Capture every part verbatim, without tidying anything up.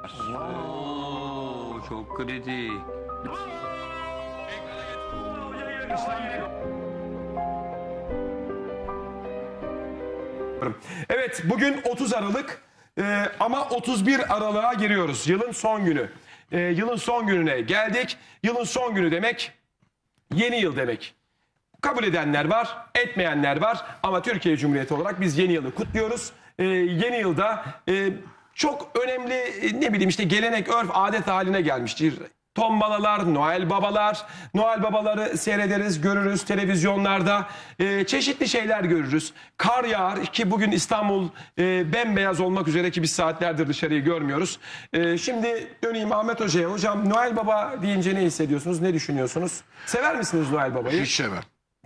Oo, çok kritik. Evet, bugün otuz Aralık e, ama otuz bir Aralık'a giriyoruz. Yılın son günü. E, yılın son gününe geldik. Yılın son günü demek yeni yıl demek. Kabul edenler var, etmeyenler var ama Türkiye Cumhuriyeti olarak biz yeni yılı kutluyoruz. E, yeni yılda e, çok önemli e, ne bileyim işte gelenek, örf, adet haline gelmiştir. Tombalalar, Noel babalar, Noel babaları seyrederiz, görürüz televizyonlarda. Ee, çeşitli şeyler görürüz. Kar yağar ki bugün İstanbul e, bembeyaz olmak üzere ki biz saatlerdir dışarıyı görmüyoruz. Ee, şimdi döneyim Ahmet Hoca'ya. Hocam Noel Baba deyince ne hissediyorsunuz, ne düşünüyorsunuz? Sever misiniz Noel Baba'yı? Hiç sevmem.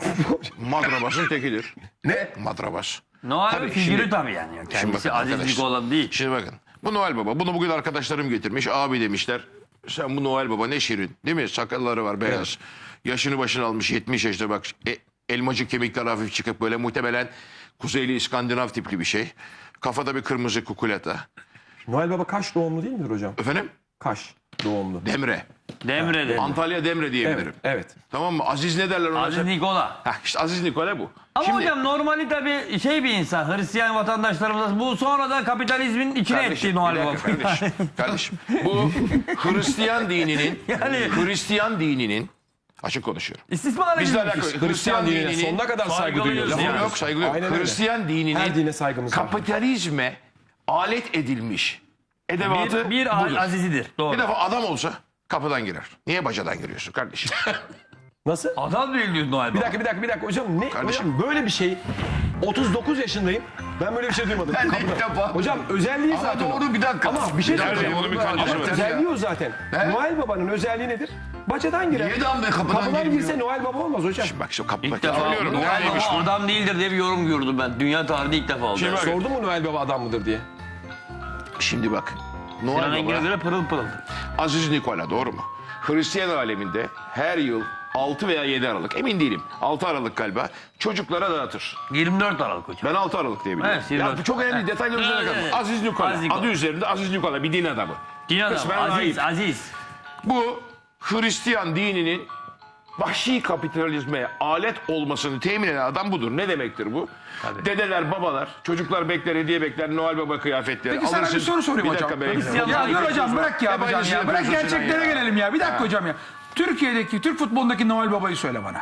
Madrabasın tekidir. Ne? Madrabas. Noel Tabii, figürü şimdi- tabii yani. Kendisi bakın Aziz arkadaşlar. Nikola değil. Şimdi bakın. Bu Noel Baba. Bunu bugün arkadaşlarım getirmiş. Abi demişler. Sen bu Noel Baba ne şirin. Değil mi? Sakalları var beyaz. Evet. Yaşını başını almış yetmiş yaşta bak. E, elmacık kemikler hafif çıkıp böyle muhtemelen Kuzeyli İskandinav tipli bir şey. Kafada bir kırmızı kukulata. Noel Baba Kaş doğumlu değil midir hocam? Efendim? Kaş doğumlu. Demre. Demre'de. Antalya Demre diyebilirim. Evet, evet. Tamam mı? Aziz ne derler ona? Aziz Nikola. Heh, işte Aziz Nikola bu. Ama Şimdi- hocam normali tabii şey bir insan. Hristiyan vatandaşlarımız bu sonradan kapitalizmin içine Kardeşim, etti Noel bir Baba. dakika kardeşim. Kardeşim. Bu Hristiyan dininin Yani- Hristiyan dininin açık konuşuyorum. İstismar Bizle edilmiş. alakalı Hristiyan dinine dininin sonuna kadar saygı Saygılıyız duyuyoruz. lafım yani. yok saygı yok. Aynen öyle. Hristiyan Her dininin dine saygımız var. kapitalizme alet edilmiş edevatı Bir, bir budur. azizidir. Doğru. Bir defa adam olsa kapıdan girer. Niye bacadan giriyorsun kardeşim? Nasıl? Adam değil diyor Noel Baba. Bir dakika bir dakika bir dakika hocam ne Kardeşim. hocam böyle bir şey otuz dokuz yaşındayım. Ben böyle bir şey duymadım. Ben de Kapıda. ilk defa- Hocam özelliği Ama zaten. o. doğru, bir dakika. Ama bir şey Bir dakika, söyleyeceğim. bunun bir kancası Ama var. özelliği o zaten. He? Noel Baba'nın özelliği nedir? Bacadan girer. Niye lan be, kapıdan Kapıdan girmiyor? girse Noel Baba olmaz hocam. Bak şu kapıda İlk defa söylüyorum. Noel Noel'ymiş Baba bu. adam değildir diye bir yorum gördüm ben. Dünya tarihinde ilk defa oldu. Şimdi bak, Sordu mu Noel Baba adam mıdır diye? şimdi bak. Sinan Noel Engin'e Baba göre pırıl pırıl. Aziz Nikola doğru mu? Hristiyan aleminde her yıl altı veya yedi Aralık emin değilim. altı Aralık galiba çocuklara dağıtır. yirmi dört Aralık hocam. Ben altı Aralık diye biliyorum. Evet, yirmi dört. ya, bu çok önemli detaylar üzerine Evet, kalmış. evet. Aziz Nikola. Aziz Nikola. Adı üzerinde Aziz Nikola bir din adamı. Din adamı. Kısmen Aziz, rahip. Aziz. Bu Hristiyan dininin vahşi kapitalizme alet olmasını temin eden adam budur. Ne demektir bu? Tabii. Dedeler, babalar, çocuklar bekler, hediye bekler, Noel Baba kıyafetleri. Peki sana bir soru sorayım bir hocam. dakika be. Hristiyan- Ya dur hocam bırak ya Hep hocam aynısını ya. Bırak yapıyorsun Sinan gerçeklere ya. gelelim ya. Bir dakika Ha. hocam ya. Türkiye'deki, Türk futbolundaki Noel Baba'yı söyle bana.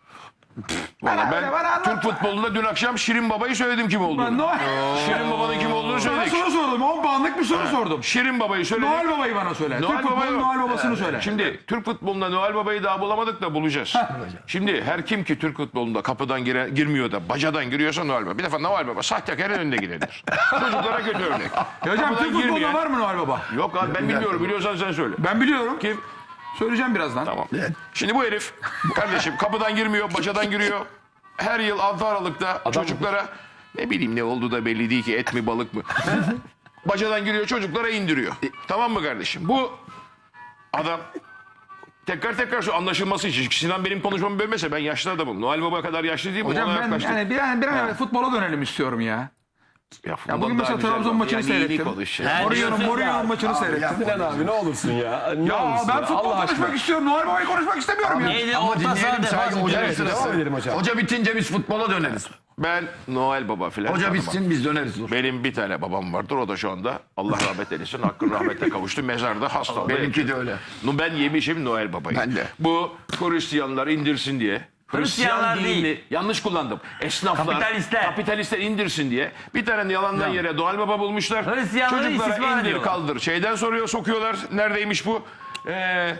Vallahi Bana ben öyle, bana anlatma. Türk futbolunda dün akşam Şirin Baba'yı söyledim kim olduğunu. Ben Noel... Şirin Baba'nın kim olduğunu Sana söyledik. soru sordum. on puanlık bir soru sordum. Şirin Baba'yı söyledik. Noel Baba'yı bana söyle. Noel Türk Baba'yı- futbolunun Noel Baba'sını söyle. Şimdi Türk futbolunda Noel Baba'yı daha bulamadık da bulacağız. Şimdi her kim ki Türk futbolunda kapıdan gire, girmiyor da bacadan giriyorsa Noel Baba. Bir defa Noel Baba sahtekarın önünde gidilir. Çocuklara kötü örnek. Ya hocam Kapıdan Türk futbolunda girmeyen- var mı Noel Baba? Yok abi ben bilmiyorum biliyorsan sen söyle. Ben biliyorum. Kim? Söyleyeceğim birazdan. Tamam. Şimdi bu herif kardeşim kapıdan girmiyor bacadan giriyor. Her yıl altı Aralık'ta çocuklara ne bileyim ne oldu da belli değil ki et mi balık mı? Bacadan giriyor çocuklara indiriyor. Tamam mı kardeşim? Bu adam tekrar tekrar şu anlaşılması için. Sinan benim konuşmamı bölmese ben yaşlı adamım. Noel Baba kadar yaşlı değil mi? Hocam Ona ben yaklaştık. yani bir an, bir an evvel futbola dönelim istiyorum ya. Ya, Ya bugün mesela Trabzon maçını seyrettim. Her Mourinho'nun diyorsun Mourinho'nun maçını seyrettim. Sinan abi ne olursun ya. Ne Ya olursun ben ya, futbol Allah konuşmak aşkına. istiyorum. Noel Baba'yı konuşmak istemiyorum ya. Neydi? Ama Orta dinleyelim saha sadece defans. hocanın Evet, sırası. devam edelim hocam. Hoca bitince biz futbola döneriz. Ben Noel Baba filan. Hoca tanımam. bitsin biz döneriz. Dur. Benim bir tane babam vardır. O da şu anda Allah rahmet eylesin. Hakkın rahmete kavuştu. Mezarda hasta. Benimki de öyle. No, ben yemişim Noel Baba'yı. Ben de. Bu Hristiyanlar indirsin diye. Hristiyanlar Hristiyan değil. dinini yanlış kullandım. Esnaflar, Kapitalistler. kapitalistler indirsin diye. Bir tane yalandan yere Noel Baba bulmuşlar. Hristiyanları Çocuklara istismar indir ediyorlar. kaldır. Şeyden soruyor sokuyorlar. Neredeymiş bu? Ee,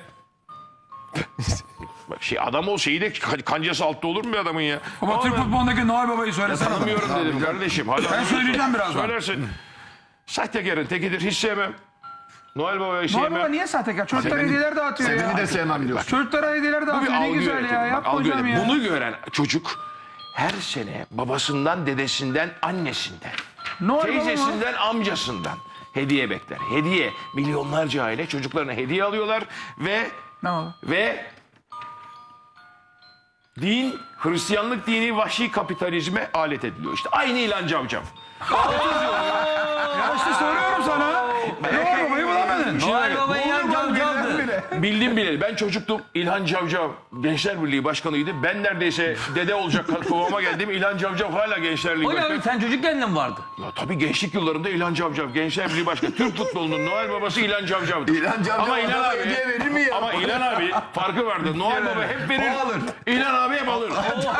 bak şey adam ol şeyi de kancası altta olur mu bir adamın ya? Ama Türk futbolundaki Noel Baba'yı söylesene. bana. Tanımıyorum dedim kardeşim. Hala Ben söyleyeceğim birazdan. Söylersin. Sahtekarın tekidir. Hiç sevmem. Noel Baba'yı Noel sevmem. Baba niye sahtekar? Çocuklara Seveni- hediyeler dağıtıyor ya. Seveni de sevmem diyorsun. Çocuklara hediyeler Bu bir dağıtıyor. Ne algı güzel yönetimi. ya. Bak, Yapma algı hocam yönetimi. ya. Bunu gören çocuk her sene babasından, dedesinden, annesinden, Noel Baba mı? teyzesinden, amcasından hediye bekler. Hediye. Milyonlarca aile çocuklarına hediye alıyorlar ve Ne oldu? ve din, Hristiyanlık dini vahşi kapitalizme alet ediliyor. İşte aynı İlhan Cavcav. Ya işte soruyorum sana. Noel Baba'yı bulamadın. bir şey Noel var. Baba İlhan Cavcav'dı. Bildim bileli. Ben çocuktum. İlhan Cavcav Gençler Birliği Başkanı'ydı. Ben neredeyse dede olacak kıvama geldim. İlhan Cavcav hala Gençler Birliği Hocam Başkanı. sen çocukken de mi vardı? Ya tabii gençlik yıllarında İlhan Cavcav Gençler Birliği Başkanı. Türk futbolunun Noel Babası İlhan Cavcav'dı. İlhan Cavcav Ama İlhan adama abi, hediye verir mi ya? Ama İlhan abi farkı vardı. Noel Baba hep verir. O alır. İlhan abi hep alır.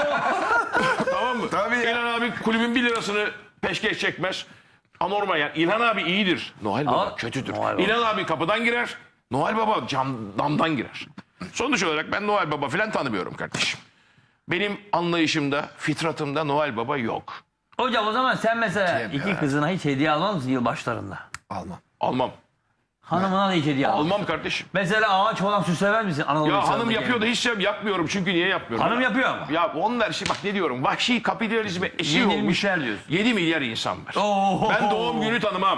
Tamam mı? Tabii ya. İlhan abi kulübün bir lirasını peşkeş çekmez. Anormal yani. İlhan abi iyidir. Noel Baba Ama- kötüdür. Noel Baba. İlhan abi kapıdan girer. Noel Baba cam, damdan girer. Sonuç olarak ben Noel Baba falan tanımıyorum kardeşim. Benim anlayışımda, fitratımda Noel Baba yok. Hocam o zaman sen mesela iki kızına hiç hediye almaz mısın yılbaşlarında? Almam. Almam. Hanımına da hiç hediye almaz. Almam kardeşim. Mesela ağaç falan süslemez misin? Anadolu Ya hanım insanındaki yapıyor da gibi. hiç şey yapmıyorum çünkü niye yapmıyorum? Hanım yapıyor ama. Ya onlar şey bak ne diyorum vahşi kapitalizme eşi olmuş Yenilmişler diyorsun. yedi milyar insan var. Oo. Ben doğum günü tanımam.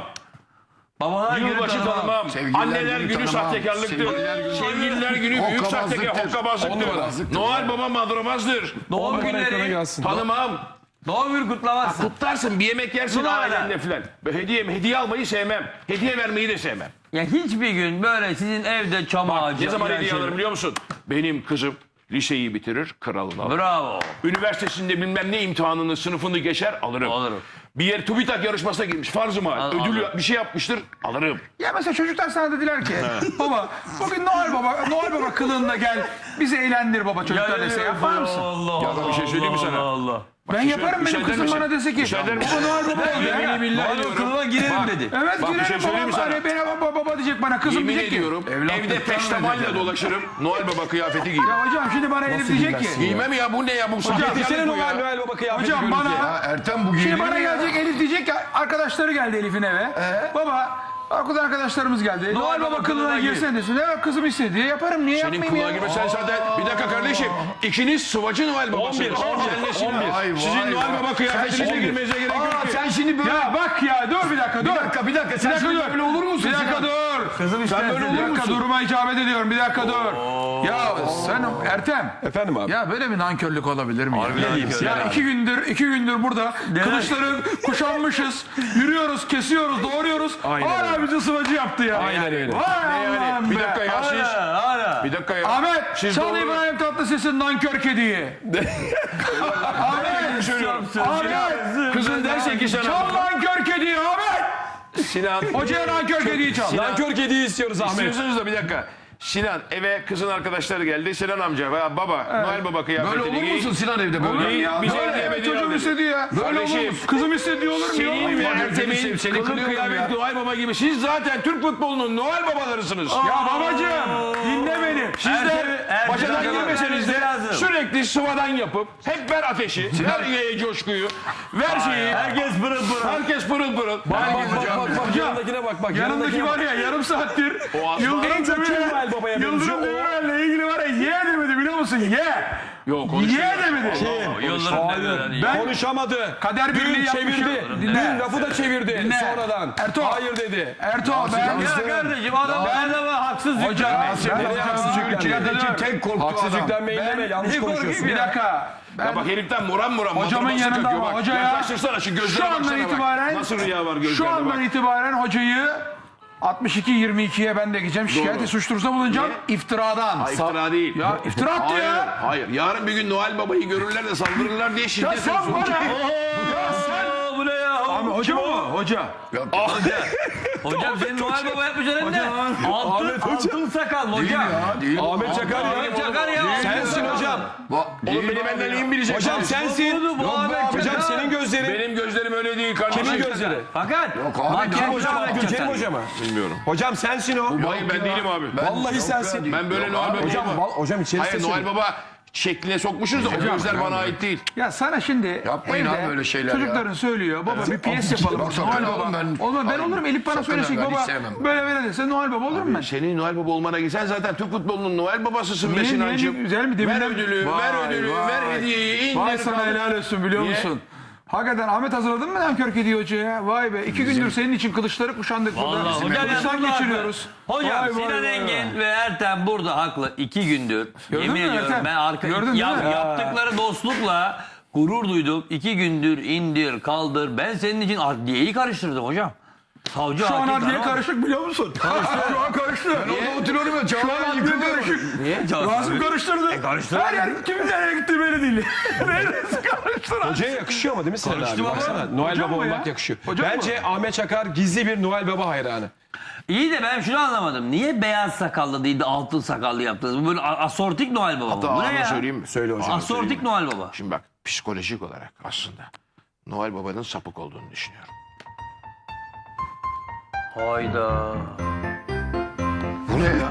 Babalar günü Yılbaşı tanımam. tanımam. Sevgililer Anneler günü günü tanımam. sahtekarlıktır. Sevgililer günü- Sevgililer günü büyük Hokkabazlıktır. sahtekar, hokkabazlıktır. Hokkabazlıktır. Noel Baba madramazdır. Doğum Ekrana günleri. gelsin. Tanımam. Doğum günü kutlamazsın. Kutlarsın bir yemek yersin Noel. ailenle filan. Hediye, hediye almayı sevmem. Hediye vermeyi de sevmem. Ya hiçbir gün böyle sizin evde çam ağacı. Ne zaman filan hediye şey- alırım biliyor musun? Benim kızım liseyi bitirir, kralını alır. Bravo. Üniversitesinde bilmem ne imtihanını, sınıfını geçer, alırım. Alırım. Bir yer TÜBİTAK yarışmasına girmiş, farz-ı mahal. Al- Ödül alırım. bir şey yapmıştır, alırım. Ya mesela çocuklar sana dediler ki baba bugün Noel Baba Noel Baba kılığında gel bizi eğlendir baba çocuklar dese yapar mısın? Allah Ya ben bir şey söyleyeyim mi sana? Allah Allah. Ben şey yaparım söyle- benim müsaade kızım misin? bana dese ki Müsaade misin? baba Noel Baba ol ya. Yemin billahi Noel diyorum. kılığına girerim dedi. Evet Bak, bir şey girerim söyleyeyim mi babam sana? hani bana baba baba diyecek bana kızım Yemin diyecek ki. ediyorum, evde Evlatlıktan peştemalle ödeyecek. dolaşırım, Noel Baba kıyafeti giyerim. Ya hocam şimdi bana Elif diyecek ki. Giymem ya, bu ne ya, bu Getirsene sahtekarlık bu Noel, ya. Noel Baba kıyafeti Hocam görünce. bana Ya Ertem bu giyilir şimdi bana mi ya? gelecek Elif diyecek ki arkadaşları geldi Elif'in eve. Baba okuldan arkadaşlarımız geldi. Noel Baba kılığına girsene desin. Evet kızım istedi diye yaparım. Niye Senin yapmayayım kulağı ya? gibi sen zaten, bir dakika kardeşim, ikiniz sıvacı Noel Babasınız. Sen nesiniz? Vay, vay, Sizin Noel vay. Baba kıyafetinize Sen- girmenize gerek yok Aa, ki. sen şimdi böyle... Ya bak ya dur bir dakika dur. Bir dakika bir dakika sen Bir dakika şimdi dur. böyle olur musun? Bir dakika Sinan? dur. Kızım Sen böyle Bir olur dakika musun? duruma icabet ediyorum. Bir dakika dur. Ya sen Ertem. Efendim abi. Ya böyle bir nankörlük olabilir mi? ya? nankörlük Ya iki gündür iki gündür burada kılıçları kuşanmışız. Yürüyoruz, kesiyoruz, doğruyoruz. Hala bizi sıvacı yaptı ya. Aynen öyle. Vay Yani Allah'ım bir be. dakika ya siz, Hala. bir dakika ya. Ahmet, Siz çal doğru- İbrahim Tatlıses'in nankör kediyi. Ahmet, söylüyorum. Ahmet, Kızın derse ki sana, çal nankör kediyi Ahmet. Sinan, Hocaya nankör kediyi çal. Nankör kediyi istiyoruz Ahmet. istiyorsunuz da bir dakika. Sinan eve kızın arkadaşları geldi. Sinan amca veya baba, Noel Baba kıyafetini Böyle olur giy. musun Sinan evde böyle? Olur mu ya? Bize Böyle hediye evet, ediyor çocuğum dedi. istediği ya. Böyle olur Kardeşim, mu? Kızım istediği olur mu? Senin ve ya? Ertem'in seni kılık kınıyorum kıyafet ya. Noel Baba gibi. Siz zaten Türk futbolunun Noel Babalarısınız. Ya babacığım dinle beni. Siz de Ertem- Ertem- başadan Ertem- girmeseniz de lazım. sürekli sıvadan yapıp hep ver ateşi, ver e, coşkuyu, ver şeyi. Herkes pırıl pırıl. Herkes pırıl pırıl. Bak bak bak bak bak yanındakine bak bak. Yanındaki var ya yarım saattir O aslan- Yıldırım En çok kim Noel Demirel Baba'ya Yıldırım benziyor? Demirel'le ilgili var ya ye demedi biliyor musun? Ye. Yok konuşuyor. Ye demedi. Yıldırım Demirel. Ben Konuşamadı. kader Dün birliği çevirdi. yapmışım. Dün Dinle. lafı da çevirdi Dinle. sonradan. Ertuğ. Hayır dedi. Ertuğ ben Ya kardeşim adam her zaman haksız Hoca yüklenmeyin. sen Nereye haksız yüklenmeyin? Ülkedeki tek korktuğu Haksız adam. yüklenmeyin deme yanlış Ne konuşuyorsun. korkayım bir dakika. Ben Ya bak heriften moran moran. Hocamın matırması yanında kakıyor ama bak. hocaya- Yaklaştırsana şu gözlere şu andan baksana bak. itibaren Nasıl rüya var şu gözlerine andan bak. itibaren hocayı altmış iki yirmi ikiye ben de gideceğim. Şikayet Doğru. suç duyurusunda bulunacağım. İftiradan. Ha, iftira değil. Ya iftira attı Hayır, ya. hayır. Yarın bir gün Noel Baba'yı görürler de saldırırlar diye Ya şiddet sen olsun. bana. Oo, bu ne ya? Abi hoca mı? Hoca. Hocam senin Noel Baba yapmayacaksın hem de. Altın, Ahmet Hoca. altın sakal mı hocam? Değil. Ahmet Çakar ya. Ahmet Çakar ya. Sensin hocam. Oğlum beni benden iyi mi bilecek? Hocam sensin. Bu, bu Ahmet Hocam Çakar. senin gözlerin. Benim gözlerim öyle değil kardeşim. Kimin gözleri? Fakat abi, makyaj Kim hocam? Ahmet Abdülkerim Çakar. hoca mı? Bilmiyorum. Hocam sensin o. Hayır ben değilim abi. Vallahi sensin. Ben böyle Noel Baba. Hocam, val- hocam içeri Hayır sesini. Noel Baba şekline sokmuşuz da o gözler bana ait değil. Ya sana şimdi Yapmayın evde abi öyle şeyler çocukların söylüyor baba bir piyes yapalım. Yoksa Noel ben Baba. oğlum ben- Olmaz ben olurum Elif bana Sakın söylesek ha, ben baba hiç sevmem. böyle böyle dese Noel Baba olurum ben. Senin Noel Baba olmana gitsen zaten Türk futbolunun Noel Babasısın Niye, be niye, Sinancığım. niye? Güzel mi? Ver Deminden- ödülü, Vay, ver ödülü, vay. ver hediyeyi, indir. Vay sana kaldır. helal olsun biliyor Niye? musun? Hakikaten Ahmet hazırladın mı nankör kedi hocaya? Vay be iki gündür senin için kılıçları kuşandık burada. Vallahi hocam ya Kılıçtan burada geçiriyoruz. haklı. Hocam Vay, vay, Sinan vay, Engin ve Ertem burada haklı. İki gündür. Gördün yemin mü ediyorum Ertem? ben arka Gördün değil yap- mi? yaptıkları dostlukla gurur duydum. İki gündür indir kaldır. Ben senin için adliyeyi karıştırdım hocam. Savcı Şu an hakim adliye tamam. karışık biliyor musun? Karıştı. Şu an karıştı. Orada oturuyorum ya. Şu an Çağlayan adliye yıkılıyor. karışık. Niye? Rasim karıştırdı. karıştırdı. Her yer kimin nereye gitti belli değil. Neresi karıştırdı? Hocaya yakışıyor ama değil mi Sinan abi? Karıştı baba. Baksana Noel Hocam Baba mı ya? olmak yakışıyor. Hocam Bence Ahmet Çakar gizli bir Noel Baba hayranı. İyi de ben şunu anlamadım. Niye beyaz sakallı değil de altın sakallı yaptınız? Bu böyle a- asortik Noel Baba. Hatta mı? Bu ne ağzını ya? söyleyeyim mi? Söyle hocam. Asortik Noel Baba. Şimdi bak psikolojik olarak aslında Noel Baba'nın sapık olduğunu düşünüyorum. Hayda. Bu ne ya?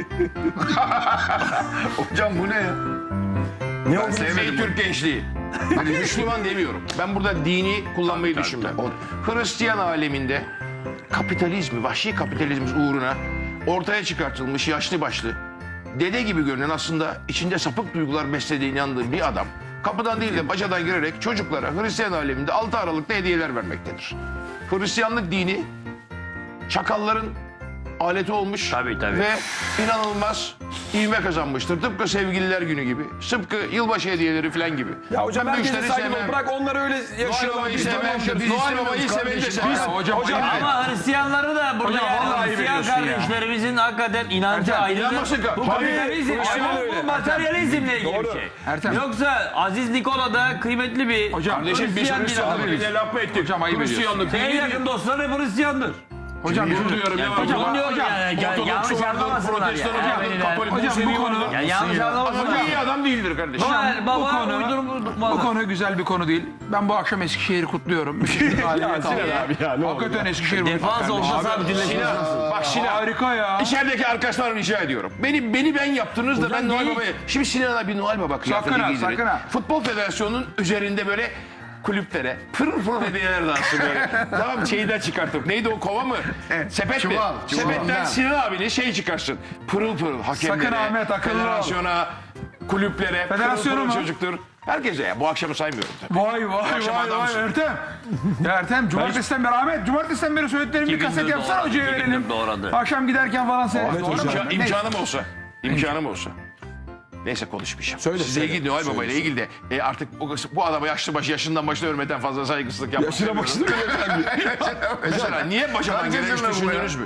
Hocam bu ne ya? Ne Ben oldu? sevmedim Türk gençliği. Hani Müslüman demiyorum. Ben burada dini kullanmayı düşünmem. Hristiyan aleminde kapitalizmi, vahşi kapitalizm uğruna ortaya çıkartılmış yaşlı başlı, dede gibi görünen aslında içinde sapık duygular beslediğine inandığı bir adam kapıdan değil de bacadan girerek çocuklara Hristiyan aleminde altı Aralık'ta hediyeler vermektedir. Hristiyanlık dini çakalların aleti olmuş Tabii, tabii. ve inanılmaz ivme kazanmıştır. Tıpkı sevgililer günü gibi, tıpkı yılbaşı hediyeleri falan gibi. Ya hocam Ben bu herkese işleri saygı sevmem. ol. Bırak onları öyle Noel yaşıyorlar. Baba'yı Biz de sevmem. yaşıyoruz. Biz Noel Baba'yı seveni de sevmem. Hocam, hocam, ayıp. Ama Hristiyanları da burada Hocam, yani vallahi Hristiyan veriyorsun ya. kardeşlerimizin hakikaten inancı Ertem, ayrıdır. inanmasın ki. Bu Tabii, kapitalizm, aynen ama öyle. bu materyalizmle ilgili Doğru. bir şey. Ertem. Yoksa Aziz Nikola da kıymetli bir Hocam, Kardeşim biz Hristiyan bir Hristiyanlık adam. birine laf mı ettik? Hocam, ayıp Hristiyanlık En dini yakın dostları hep Hristiyandır. Hocam Gurur duyuyorum ya. Hocam, Hocam, onu diyorum hocam, yani. Ya- Yanlış Ortodoksu vardır, anlamasınlar ya. protestanı vardır, Ermeniler. Katolik Hocam, bu Musevi konu- vardır. Ya yanlış Ama anlamasınlar. iyi adam değildir kardeşim. Noel bu Baba konu, uydurma. bu konu güzel bir konu değil. Ben bu akşam Eskişehir'i kutluyorum. Müthiş bir galibiyet Sinan aldı. abi ya, ne olur Hakikaten ya. Eskişehir bu Defans kardeşim. olsa Abi, sabitleşmez. Sinan, bak Sinan. Harika ya. İçerideki arkadaşlarım rica ediyorum. Beni beni ben yaptınız da Hocam ben Noel değil. Baba'ya... Şimdi Sinan abi Noel Baba kıyafeti Sakın ha, giydirin. sakın ha. Futbol Federasyonu'nun üzerinde böyle kulüplere pırıl pırıl hediyeler dağıtsın böyle. Tamam şeyden çıkartıp. Neydi o kova mı? Sepet mi? Çuval, çuval. Sepetten Sinan abinin şeyi çıkarsın. Pırıl pırıl hakemlere, Sakın Ahmet, akıllı ol. federasyona, kulüplere, Federasyonu pırıl mu? pırıl çocuktur. Herkese ya bu akşamı saymıyorum tabii. Vay vay akşam vay vay adamsın. Ertem. Ya Ertem cumartesiden beri Ahmet cumartesiden beri söylediklerimi bir İki kaset gündür yapsana doğradı, hocaya iki verelim. gündür doğradı. Akşam giderken falan seyret. Ahmet Doğru mu? hocam. İmka- Neyse. imkanım olsa. İmkanım olsa. Neyse konuşmayacağım. Söyle, Size söyle. ilgili Noel Baba ile ilgili de e, artık bu, bu adama yaşlı başı yaşından başına ölmeden fazla saygısızlık yapmak Yaşına istemiyorum. başına Mesela niye başadan Kaç gelen hiç yaşında bu ya? düşündünüz mü?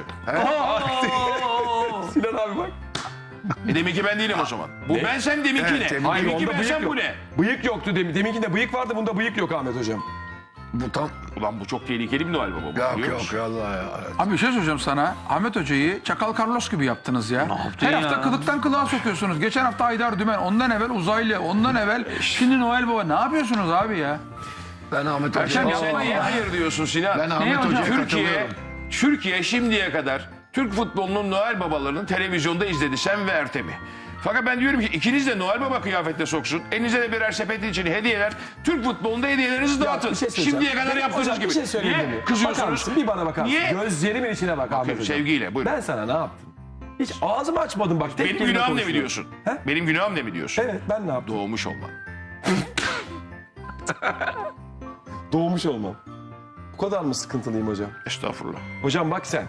Sinan abi bak. E demek ki ben değilim o zaman. Bu Ne? bensem deminki Evet, ne? deminki Hayır, deminki onda bensem bıyık bu yok. ne? Bıyık yoktu demin. Deminkinde bıyık vardı, bunda bıyık yok Ahmet hocam. Bu tam... Ulan bu çok tehlikeli bir Noel Baba. bu, Yok biliyor yok musun? Allah ya. Abi bir şey söyleyeceğim sana. Ahmet Hoca'yı Çakal Carlos gibi yaptınız ya. yaptın Her ya? hafta kılıktan kılığa sokuyorsunuz. Geçen hafta Haydar Dümen, ondan evvel Uzaylı, ondan evvel şimdi Noel Baba. Ne yapıyorsunuz abi ya? Ben Ahmet Erşen Hoca'ya... yapma Sen niye hayır diyorsun Sinan? Ben Ahmet hocam? Hoca'ya Türkiye, katılıyorum. Türkiye şimdiye kadar Türk futbolunun Noel Babalarını televizyonda izledi. Sen ve Ertem'i. Fakat ben diyorum ki ikiniz de Noel Baba kıyafette soksun. Elinize de birer sepet için hediyeler. Türk futbolunda hediyelerinizi dağıtın. bir şey söyleyeceğim. Şimdiye kadar yaptığınız Hocam, gibi. bir şey söyleyeyim Niye mi? Bakar kızıyorsunuz? mısın? Bir bana bakar mısın? Niye? Gözlerimin içine bak Ahmet hocam. sevgiyle, buyurun. Ben sana ne yaptım? Hiç ağzımı açmadım bak. Tek Benim kelime günahım ne konuştum. biliyorsun? He? Benim günahım ne biliyorsun? Evet ben ne yaptım? Doğmuş olma. Doğmuş olmam. Bu kadar mı sıkıntılıyım hocam? Estağfurullah. Hocam bak sen.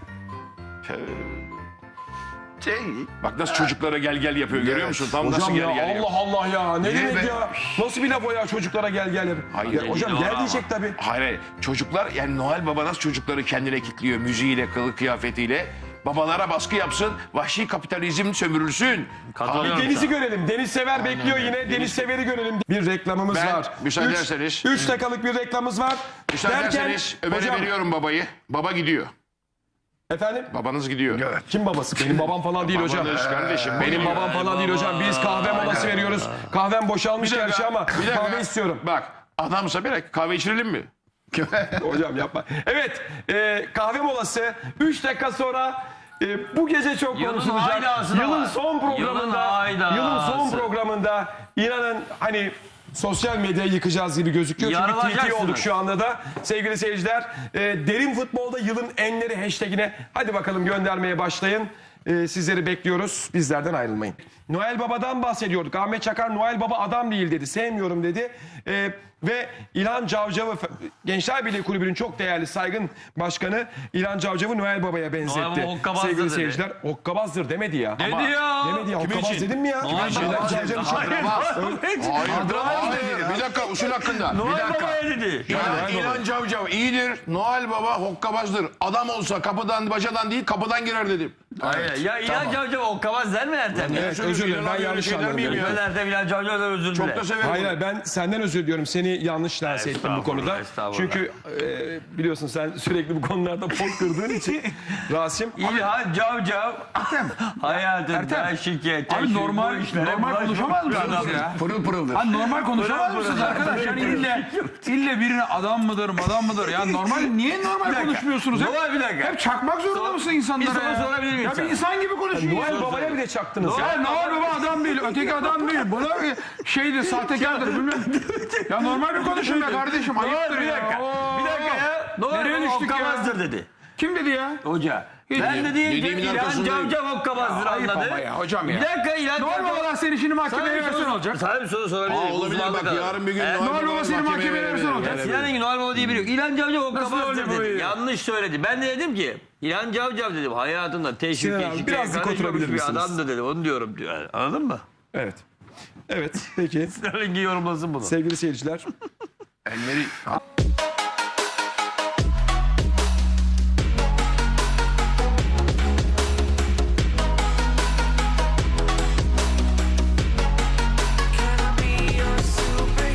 Şey, Bak nasıl çocuklara gel gel yapıyor görüyor musun? Tam nasıl Hocam gel ya gel yapıyor. Allah Allah ya. Ne Niye demek be? ya? Nasıl bir laf o ya çocuklara gel gel yap. Hayır, Ya hocam doğru gel ama. diyecek tabii. Hayır, hayır. Çocuklar yani Noel Baba nasıl çocukları kendine kilitliyor müziğiyle, kılık kıyafetiyle. Babalara baskı yapsın, vahşi kapitalizm sömürülsün. Katılıyorum Deniz'i sana. görelim. Deniz Sever bekliyor yine. Deniz Sever'i görelim. Bir reklamımız Ben, var. müsaade Üç- ederseniz- Üç dakikalık bir reklamımız var. Müsaade Derken- ederseniz Ömer'e hocam, veriyorum babayı. Baba gidiyor. Efendim? Babanız gidiyor. evet. Kim babası? Benim babam falan değil hocam. Babanız kardeşim. Benim babam falan değil hocam. Biz kahve molası veriyoruz. Kahvem boşalmış Bir dakika, gerçi ama bir dakika. kahve istiyorum. Bak adamsa bir dakika kahve içirelim mi? Hocam yapma. Evet, e, kahve molası. Üç dakika sonra e, bu gece çok Yılın konuşulacak. haydası da Yılın var. son Yılın programında, haydası. yılın son programında inanın hani sosyal medyayı yıkacağız gibi gözüküyor. Çünkü T T Yarılacaksınız. olduk şu anda da. Sevgili seyirciler, e, derin futbolda yılın enleri hashtagine hadi bakalım göndermeye başlayın. e, sizleri bekliyoruz. Bizlerden ayrılmayın. Noel Baba'dan bahsediyorduk. Ahmet Çakar Noel Baba adam değil dedi. Sevmiyorum dedi. E, ve İlhan Cavcav'ı Gençler Birliği Kulübü'nün çok değerli saygın başkanı İlhan Cavcav'ı Noel Baba'ya benzetti. Noel Baba hokkabazdır Sevgili dedi. seyirciler. Hokkabazdır demedi ya. Dedi Ama- ya. Demedi ya. Kimin Hokkabaz için? dedim mi ya? Noel İlhan Baba Cavcav için. Hayır, Hayır, hayır. Bir dakika usul hakkında. Noel bir dakika. Baba'ya dedi. Ya İlhan Cavcav iyidir. Noel Baba hokkabazdır. Adam olsa kapıdan bacadan değil kapıdan girer dedim. Hayır, ya İlhan Cavcav hokkabaz der mi Ertem? Evet, özür dilerim. Ben yanlış anladım. Ben Ertem İlhan Cavcav'dan özür Çok dile. da severim. Hayır hayır, ben senden özür diliyorum. Seni yanlış lanse ettim bu konuda. estağfurullah. Çünkü e, biliyorsun sen sürekli bu konularda pot kırdığın için Rasim. İlhan Cavcav hayatında şirket, Abi normal, normal konuşamaz mısınız ya? Pırıl pırıldır. Abi normal konuşamaz mısınız arkadaş? Yani ille, ille birine adam mıdır, madam mıdır? Ya normal, niye normal konuşmuyorsunuz? Hep, Noel bir dakika. hep çakmak zorunda mısın insanlara bir soru ya? sorabilir miyim Ya bir sana? insan gibi konuşuyor. Noel Baba'ya bile çaktınız. Ya Noel Baba adam değil, öteki adam değil. Buna şeydir, sahtekardır bilmem. Ya normal bir konuşun be kardeşim, ayıptır Bir ya. dakika. Oo. Bir dakika ya. Nereye Noel Baba düştük ya? hokkabazdır dedi. Kim dedi ya? Hoca. Ben de diyeyim ki dediğimin İlhan arkasındayım. Cavcav hokkabazdır Ayıp anladı. ama ya hocam ya. Bir dakika İlhan Noel Cavcav. Babalar seni şimdi mahkemeye Sana bir versen soru- olacak. Sana bir soru sorabilir Aa, miyim? olabilir Uzmanlık bak alanı. yarın bir gün Evet. Noel Noel Baba Baba'yı seni mahkemeye mahkemeye versen verelim. olacak. Sinan Engin Noel Baba diye biri yok. İlhan Cavcav hokkabazdır oluyor bu dedi. ya? Yanlış söyledi. Ben de dedim ki İlhan Cavcav dedim hayatında teşvik Sinan abi, teşvik biraz dik oturabilir bir misiniz? adamdı dedi. Onu diyorum diyor. Anladın mı? Evet. Evet. Peki. Sinan Engin yorumlasın bunu. Sevgili seyirciler. Elleri